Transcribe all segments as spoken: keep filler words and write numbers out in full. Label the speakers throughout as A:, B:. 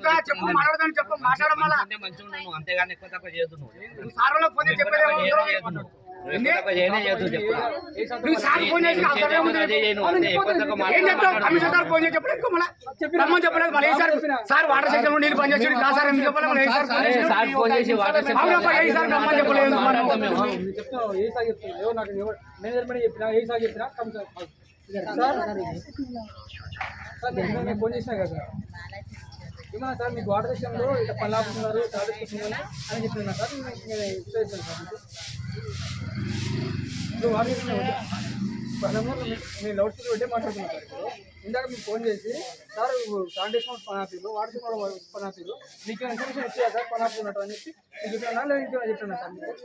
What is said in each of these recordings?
A: చెప్తా చెప్పు మాట్లాడదాని చెప్పు మాట్లాడమలా
B: అంతేగాని ఎక్కువ తక్కువ చేయొద్దు
A: సార్లో ఫోన్ చేసి చెప్పేది సార్ వాటర్ సెక్షన్ లో నీళ్ళు పనిచేసి సార్ ఎందుకు
C: ఫోన్ చేసినా కదా ఏమన్నా సార్ మీకు వాటర్ విషయంలో ఇట్లా పని ఆపుతున్నారు అని చెప్తున్నా సార్ ఇస్తాను సార్ ఇప్పుడు వాటర్ విషయంలో నేను లౌడ్ స్పీకర్ పెట్టే మాట్లాడుతున్నాను సార్ ఇప్పుడు ఇందాక మీకు ఫోన్ చేసి సార్ శానిటేషన్ పని ఆపేరు వాటర్ విషయంలో పని ఆపేరు మీకు ఇన్ఫర్మేషన్ ఇచ్చేదా సార్ పని ఆపుతున్నట్టు అని చెప్పి మీకు చెప్పినా లేదా ఇంకేమైనా చెప్తున్నా సార్ మీకు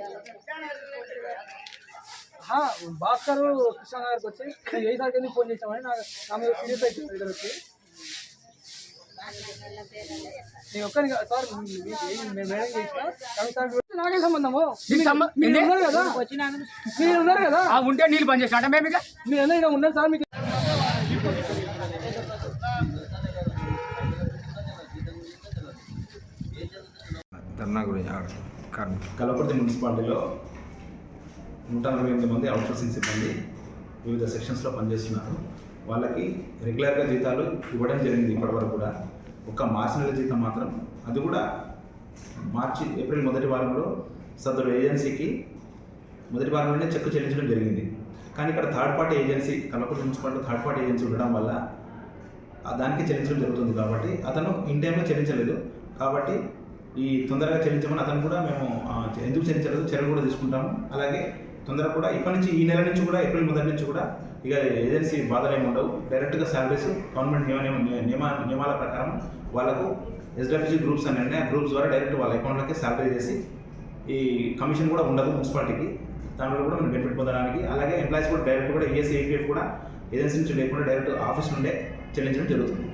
C: భాస్కర్ కృష్ణ గారికి వచ్చి నేను ఏ సార్కి ఎందుకు ఫోన్ చేసామని నా నా మీద సీరియస్ అయిపోయింది ఇద్దరు వచ్చి నేను ఒక్కరికి సార్ మేడం చేసిన కానీ సార్ నాకే సంబంధము మీరు ఉన్నారు కదా మీరు ఉన్నారు కదా
A: ఉంటే నీళ్ళు పని చేసిన మేము
C: మీరు ఎలా ఇలా ఉన్నారు సార్ మీకు
D: ధర్నా గురించి
E: కల్వకుర్తి మున్సిపాలిటీలో నూట నలభై ఎనిమిది మంది అవుట్సోర్సింగ్ సిబ్బంది వివిధ సెక్షన్స్లో పనిచేస్తున్నారు. వాళ్ళకి రెగ్యులర్గా జీతాలు ఇవ్వడం జరిగింది ఇప్పటివరకు కూడా. ఒక మార్చి నెల జీతం మాత్రం అది కూడా మార్చి ఏప్రిల్ మొదటి వారంలో సదరు ఏజెన్సీకి మొదటి వారంలోనే చెక్ చెల్లించడం జరిగింది. కానీ ఇక్కడ third party agency Kalwakurthy municipality third party agency ఉండడం వల్ల దానికి చెల్లించడం జరుగుతుంది. కాబట్టి అతను ఇన్ టైంలో చెల్లించలేదు. కాబట్టి ఈ తొందరగా చెల్లించమని అతను కూడా మేము ఎందుకు చెల్లించలేదు చర్యలు కూడా తీసుకుంటాము. అలాగే తొందరగా కూడా ఇప్పటి నుంచి ఈ నెల నుంచి కూడా ఏప్రిల్ మొదటి నుంచి కూడా ఇక ఏజెన్సీ బాధలు ఏమి ఉండవు. డైరెక్ట్గా శాలరీస్ గవర్నమెంట్ నియమ నియమ నియమాల ప్రకారం వాళ్ళకు ఎస్డబ్ల్యూజీ గ్రూప్స్ అని అంటే ఆ గ్రూప్స్ ద్వారా డైరెక్ట్ వాళ్ళ అకౌంట్లకి శాలరీ చేసి ఈ కమిషన్ కూడా ఉండదు మున్సిపాలిటీకి. దానివల్ల కూడా మనం బెనిఫిట్ పొందడానికి అలాగే ఎంప్లాయీస్ కూడా డైరెక్ట్ కూడా ఈఎస్ఐ ఈపీఎఫ్ కూడా ఏజెన్సీ నుంచి లేకుండా డైరెక్ట్ ఆఫీస్ నుండే చెల్లించడం జరుగుతుంది.